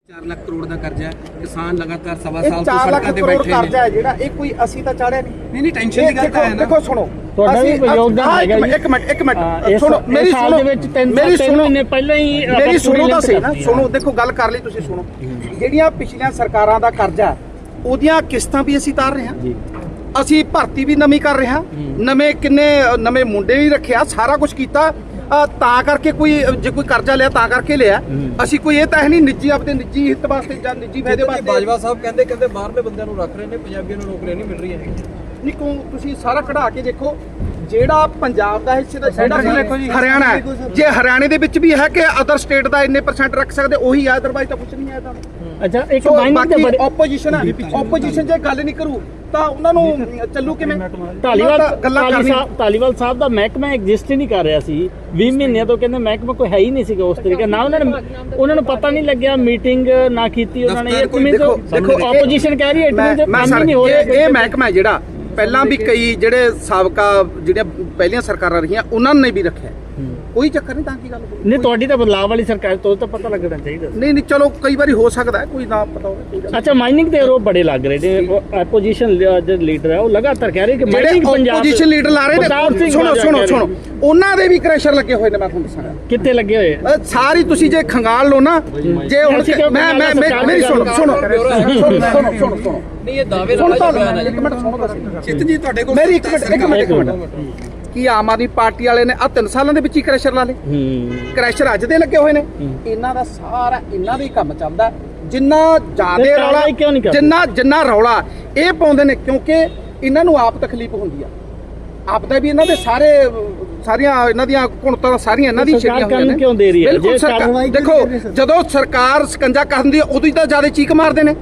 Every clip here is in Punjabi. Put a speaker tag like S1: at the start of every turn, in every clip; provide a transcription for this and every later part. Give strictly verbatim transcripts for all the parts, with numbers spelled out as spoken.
S1: चार लाख करोड़ का कर्जा है, किसान लगातार सवा
S2: ਇਹ
S1: साल तो
S2: ਚਾਰ ਲੱਖ
S1: सड़कों पे
S2: ਕਰੋੜ
S1: बैठे
S2: ਕਰਜ਼ਾ
S1: हैं।
S2: ਹੈ ਜਿਹੜਾ ਇਹ ਕੋਈ ਅਸੀਂ ਤਾਂ ਚਾੜਿਆ ਨਹੀਂ।
S1: नहीं नहीं टेंशन की गल है ना।
S2: देखो सुनो
S3: ਤੁਹਾਡਾ ਵੀ
S2: ਅਸੀਂ-
S3: ਯੋਗਦਾਨ
S2: ਹਾਂ, ਇੱਕ
S3: ਹੈਗਾ
S2: ਮਿੰਟ,
S3: ਜੀ।
S2: ਇੱਕ ਮਿੰਟ ਇੱਕ ਮਿੰਟ
S3: ਹਾਂ, ਇਸ-
S2: ਸੁਣੋ
S3: ਇਸ
S2: ਮੇਰੀ
S3: ਸਾਲ
S2: ਸੁਣੋ
S3: ਦੇ ਵਿੱਚ ਤਿੰਨ
S2: ਮੇਰੀ
S3: ਤਿੰਨ
S2: ਸੁਣੋ
S3: ਮਹੀਨੇ ਪਹਿਲਾਂ ਹੀ ਆਪਾਂ
S2: ਮੇਰੀ ਸੁਣੋ
S3: ਪੂਰੀ
S2: ਤਾਂ ਸਹੀ ਨਾ
S3: ਲਿੰਕ
S2: ਸੁਣੋ ਦੇਖੋ ਗੱਲ ਕਰ ਲਈ ਤੁਸੀਂ ਸੁਣੋ ਜਿਹੜੀਆਂ ਪਿਛਲੀਆਂ ਸਰਕਾਰਾਂ ਦਾ ਕਰਜ਼ਾ ਉਹਦੀਆਂ ਕਿਸ਼ਤਾਂ ਵੀ ਅਸੀਂ ਤਾਰ ਰਹੇ ਹਾਂ
S3: ਜੀ
S2: ਅਸੀਂ ਭਰਤੀ ਵੀ ਨਵੀਂ ਕਰ ਰਹੇ ਹਾਂ ਨਵੇਂ ਕਿੰਨੇ ਨਵੇਂ ਮੁੰਡੇ ਵੀ ਰੱਖਿਆ ਸਾਰਾ ਕੁਝ ਕੀਤਾ ਅ, ਤਾਂ ਕਰਕੇ ਕੋਈ ਜੇ ਕੋਈ ਕਰਜ਼ਾ ਲਿਆ ਤਾਂ ਕਰਕੇ ਲਿਆ ਅਸੀਂ ਕੋਈ ਇਹ ਤਾਂ ਹੈ ਨਹੀਂ ਨਿੱਜੀ ਆਪਦੇ ਨਿੱਜੀ ਹਿੱਤ ਵਾਸਤੇ ਜਾਂ ਨਿੱਜੀ ਫਾਇਦੇ ਵਾਸਤੇ
S4: ਬਾਜਵਾ ਸਾਹਿਬ ਕਹਿੰਦੇ ਕਹਿੰਦੇ ਬਾਹਰਲੇ ਬੰਦਿਆਂ ਨੂੰ ਰੱਖ ਰਹੇ ਨੇ, ਪੰਜਾਬੀਆਂ ਨੂੰ ਨੌਕਰੀਆਂ ਨਹੀਂ ਮਿਲ ਰਹੀਆਂ ਹੈਗੀਆਂ।
S2: ਨਹੀਂ ਕੋ ਤੁਸੀਂ ਸਾਰਾ ਕਢਾ ਕੇ ਦੇਖੋ ਜਿਹੜਾ ਪੰਜਾਬ ਦਾ ਹਿੱਸੇ ਦਾ ਜਿਹੜਾ ਹਰਿਆਣਾ ਹੈ ਜੇ ਹਰਿਆਣੇ ਦੇ ਵਿੱਚ ਵੀ ਹੈ ਕਿ ਅਦਰ ਸਟੇਟ ਦਾ ਇੰਨੇ ਪਰਸੈਂਟ ਰੱਖ ਸਕਦੇ ਉਹੀ ਆ ਅਦਰਵਾਈਜ਼ ਤਾਂ ਕੁਝ ਨਹੀਂ ਹੈ ਤਾਂ
S3: ਅੱਛਾ ਇੱਕ
S2: ਸੋ
S3: ਮਾਈਨਿੰਗ ਦੇ
S2: ਬਾਕੀ
S3: ਬੜੇ
S2: ਆਪੋਜੀਸ਼ਨ ਹੈ ਆਪੋਜੀਸ਼ਨ ਜੇ ਗੱਲ ਨਹੀਂ ਕਰੂ ਤਾਂ ਉਹਨਾਂ ਨੂੰ ਚੱਲੂ ਕਿਵੇਂ
S3: ਢਾਲੀਵਾਲ
S2: ਉਹਨਾਂ ਤਾਂ ਗੱਲਾਂ
S3: ਢਾਲੀ
S2: ਕਰਨੀ
S3: ਸਾਹਿਬ ਢਾਲੀਵਾਲ ਸਾਹਿਬ ਦਾ ਮਹਿਕਮਾ ਐਗਜ਼ਿਸਟ ਹੀ ਨਹੀਂ ਕਰ ਰਿਹਾ ਸੀ ਵੀਹ ਮਹੀਨਿਆਂ ਤੋਂ ਕਹਿੰਦੇ ਮਹਿਕਮਾ ਕੋਈ ਹੈ ਹੀ ਨਹੀਂ ਸੀਗਾ ਉਸ ਤਰੀਕੇ ਨਾ ਉਹਨਾਂ ਨੇ ਉਹਨਾਂ ਨੂੰ ਪਤਾ ਨਹੀਂ ਲੱਗਿਆ ਮੀਟਿੰਗ ਨਾ ਕੀਤੀ ਉਹਨਾਂ ਨੇ ਇਹ ਕਿਵੇਂ
S2: ਦੇਖੋ ਦੇਖੋ
S3: ਆਪੋਜੀਸ਼ਨ ਕਹਿ ਰਹੀ ਹੈ
S2: ਮੈਂ
S3: ਇਟਮੀਨ
S2: ਮੈਂ
S3: ਕੰਮ
S2: ਸਰ
S3: ਹੀ ਨਹੀਂ ਹੋ ਰਿਹਾ
S2: ਇਹ ਇਹ ਮਹਿਕਮਾ ਹੈ ਜਿਹੜਾ ਪਹਿਲਾਂ ਵੀ ਕਈ ਜਿਹੜੇ ਸਾਬਕਾ ਜਿਹੜੀਆਂ ਪਹਿਲੀਆਂ ਸਰਕਾਰਾਂ ਰਹੀਆਂ ਉਹਨਾਂ ਨੇ ਵੀ ਰੱਖਿਆ ਕੋਈ ਚੱਕਰ ਨਹੀਂ ਤਾਂ ਕੀ ਗੱਲ ਹੋਈ।
S3: ਨਹੀਂ ਤੁਹਾਡੀ ਤਾਂ ਬਦਲਾਅ ਵਾਲੀ ਸਰਕਾਰ ਤੋਂ ਤਾਂ ਪਤਾ ਲੱਗਣਾ ਚਾਹੀਦਾ
S2: ਨਹੀਂ ਨਹੀਂ ਚਲੋ ਕਈ ਵਾਰੀ ਹੋ ਸਕਦਾ ਹੈ ਕੋਈ ਨਾ ਪਤਾ ਹੋਵੇ ਕੋਈ ਗੱਲ ਨਹੀਂ।
S3: ਅੱਛਾ ਮਾਈਨਿੰਗ ਦੇ ਆਰੋਪ ਬੜੇ ਲੱਗ ਰਹੇ ਨੇ ਆਪੋਜੀਸ਼ਨ ਜਿਹੜੇ ਲੀਡਰ ਹੈ ਉਹ ਲਗਾਤਾਰ ਕਹਿ ਰਹੇ ਕਿ
S2: ਜਿਹੜੇ
S3: ਮਾਈਨਿੰਗ ਪੰਜਾਬ
S2: ਆਪੋਜੀਸ਼ਨ ਲੀਡਰ ਲਾ ਰਹੇ
S3: ਪ੍ਰਤਾਪ
S2: ਨੇ
S3: ਸਿੰਘ
S2: ਸੁਣੋ
S3: ਬਾਜਵਾ
S2: ਸੁਣੋ
S3: ਕਹਿ ਰਹੇ
S2: ਸੁਣੋ ਉਹਨਾਂ ਦੇ ਵੀ ਕ੍ਰੈਸ਼ਰ ਲੱਗੇ ਹੋਏ ਨੇ ਮੈਂ ਤੁਹਾਨੂੰ ਦੱਸਾਂਗਾ
S3: ਕਿੱਥੇ ਲੱਗੇ ਹੋਏ ਆ?
S2: ਅਹ ਸਾਰੀ ਤੁਸੀਂ ਜੇ ਖੰਗਾਲ ਲਓ ਨਾ ਜੇ ਹੁਣ
S3: ਅਸੀਂ ਕਿਉਂ
S2: ਮੈਂ ਮੈਂ ਮੈਂ- ਮੇਰੀ ਸੁਣੋ ਸੁਣੋ ਸੁਣੋ ਸੁਣੋ ਸੁਣੋ ਸੁਣੋ
S4: ਨਹੀਂ ਇਹ ਦਾਅਵੇ
S2: ਸੁਣ
S4: ਨਾਲ
S2: ਤਾਂ
S4: ਬਿਆਨ ਹੈ
S2: ਇੱਕ ਮਿੰਟ ਸੁਣੋ ਬਸ
S1: चित जी ਤੁਹਾਡੇ ਕੋਲ
S2: ਮੇਰੀ ਇੱਕ ਮਿੰਟ ਇੱਕ ਮਿੰਟ ਇੱਕ ਮਿੰਟ ਕੀ ਆਮ ਆਦਮੀ ਪਾਰਟੀ ਵਾਲੇ ਨੇ ਆ ਤਿੰਨ ਸਾਲਾਂ ਦੇ ਵਿੱਚ ਹੀ ਕ੍ਰੈਸ਼ਰ ਲਾ ਲਏ
S3: ਹੂੰ
S2: ਕ੍ਰੈਸ਼ਰ ਅੱਜ ਦੇ ਲੱਗੇ ਹੋਏ ਨੇ ਇਹਨਾਂ ਦਾ ਸਾਰਾ ਇਹਨਾਂ ਦਾ ਹੀ ਕੰਮ ਚੱਲਦਾ ਜਿੰਨਾ
S3: ਤੇ
S2: ਜ਼ਿਆਦੇ ਰੌਲਾ
S3: ਕਾਰਵਾਈ ਕਿਉਂ ਨਹੀਂ ਕਰਦੇ?
S2: ਜਿੰਨਾ ਜਿੰਨਾ ਰੌਲਾ ਇਹ ਪਾਉਂਦੇ ਨੇ ਕਿਉਂਕਿ ਇਹਨਾਂ ਨੂੰ ਆਪ ਤਕਲੀਫ ਹੁੰਦੀ ਆ ਆਪ ਦਾ ਵੀ ਇਹਨਾਂ ਦੇ ਸਾਰੇ ਸਾਰੀਆਂ ਇਹਨਾਂ ਦੀਆਂ ਕੁਣਤਾਂ ਸਾਰੀਆਂ ਇਹਨਾਂ ਦੀ
S3: ਸਰਕਾਰ
S2: ਛੇੜੀਆਂ ਹੋਈਆਂ
S3: ਕਾਨੂੰਨ
S2: ਨੇ
S3: ਕਿਉਂ ਦੇ ਰਹੀ ਹੈ?
S2: ਬਿਲਕੁਲ
S3: ਜੇ
S2: ਸਰਕਾਰ-
S3: ਕਾਰਵਾਈ
S2: ਦੇਖੋ ਜਦੋਂ ਸਰਕਾਰ ਸਕੰਜਾ ਕਰਦੀ ਹੈ ਉਦੋਂ ਹੀ ਤਾਂ ਜ਼ਿਆਦਾ ਚੀਕ ਮਾਰਦੇ ਨੇ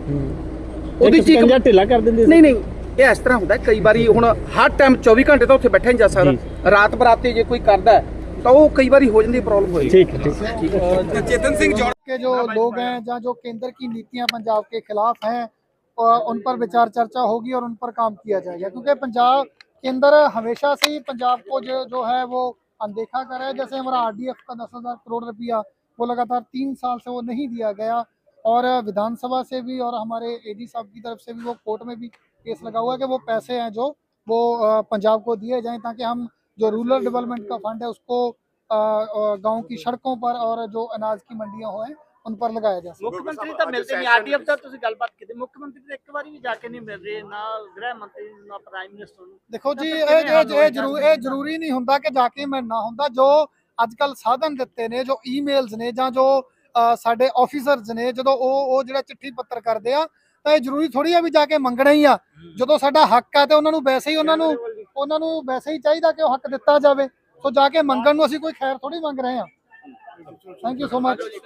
S3: ਉਹਦੀ
S2: ਚੀਕ-
S3: ਚੀਜ਼ ਢਿੱਲਾ ਕਰ ਦਿੰਦੇ ਸੀ।
S2: ਨਹੀਂ ਨਹੀਂ ਇਹ ਇਸ ਤਰ੍ਹਾਂ ਹੁੰਦਾ ਹੈ, ਕਈ ਵਾਰੀ ਹੁਣ ਹਰ ਟਾਈਮ ਚੌਵੀ ਘੰਟੇ ਤਾਂ ਉੱਥੇ ਬੈਠੇ ਨਹੀਂ ਜਾ ਸਕਦਾ ਰਾਤ ਬਰਾਤੇ ਜੇ ਕੋਈ ਕਰਦਾ ਹੈ, ਤਾਂ ਉਹ ਕਈ ਵਾਰੀ ਹੋ ਜਾਂਦੀ ਪ੍ਰੋਬਲਮ ਹੋਈ
S3: ठीक है ठीक है
S2: ठीक है
S1: चेतन सिंह जौड़
S5: के जो लोग हैं या जो केंद्र की नीतियां पंजाब के खिलाफ हैं और उन पर विचार चर्चा होगी और उन पर काम किया जाएगा क्योंकि पंजाब केंद्र हमेशा से ही पंजाब को जो जो है वो अनदेखा कर रहा है। जैसे हमारा आरडीएफ का दस हज़ार करोड़ रुपया वो लगातार तीन साल से वो नहीं दिया गया और विधानसभा से भी और हमारे एडी साहब की तरफ से भी वो कोर्ट में भी केस लगा हुआ है कि वो पैसे हैं जो वो पंजाब को दिए जाएं ताकि हम जो रूरल डेवलपमेंट का फंड है उसको गांव की सड़कों पर और जो अनाज की मंडियां हो उन पर लगाया जा सके।
S3: ਮੁੱਖ ਮੰਤਰੀ ਤਾਂ ਮਿਲਦੇ ਨਹੀਂ ਆਰਡੀਐਫ ਦਾ ਤੁਸੀਂ ਗੱਲਬਾਤ ਕੀਤੀ ਮੁੱਖ ਮੰਤਰੀ ਤਾਂ ਇੱਕ ਵਾਰੀ ਵੀ ਜਾ ਕੇ ਨਹੀਂ ਮਿਲ ਰਹੇ ਨਾ ਗ੍ਰਹਿ ਮੰਤਰੀ ਨੂੰ ਨਾ ਪ੍ਰਾਈਮ ਮਿਨਿਸਟਰ ਨੂੰ
S5: ਦੇਖੋ ਜੀ ਇਹ ਇਹ ਇਹ ਜ਼ਰੂਰ ਇਹ ਜ਼ਰੂਰੀ ਨਹੀਂ ਹੁੰਦਾ ਕਿ ਜਾ ਕੇ ਮਿਲਣਾ ਹੁੰਦਾ ਜੋ ਅੱਜ ਕੱਲ ਸਾਧਨ ਦਿੱਤੇ ਨੇ ਜੋ ਈਮੇਲਸ ਨੇ ਜਾਂ ਜੋ ਅ, ਸਾਡੇ ਆਫੀਸਰਸ ਨੇ ਜਦੋਂ ਉਹ ਉਹ ਜਿਹੜਾ ਚਿੱਠੀ ਪੱਤਰ ਕਰਦੇ ਆ ਤਾਂ ਇਹ ਜ਼ਰੂਰੀ ਥੋੜੀ ਆ ਵੀ ਜਾ ਕੇ ਮੰਗਣਾ ਹੀ ਆ ਜਦੋਂ ਸਾਡਾ ਹੱਕ ਆ ਤੇ ਉਹਨਾਂ ਨੂੰ ਵੈਸੇ ਹੀ ਉਹਨਾਂ ਨੂੰ ਉਹਨਾਂ ਨੂੰ ਵੈਸੇ ਹੀ ਚਾਹੀਦਾ ਕਿ ਉਹ ਹੱਕ ਦਿੱਤਾ ਜਾਵੇ ਸੋ ਜਾ ਕੇ ਮੰਗਣ ਨੂੰ ਅਸੀਂ ਕੋਈ ਖੈਰ ਥੋੜੀ ਮੰਗ ਰਹੇ ਆ ਥੈਂਕ ਯੂ ਸੋ ਮਚ।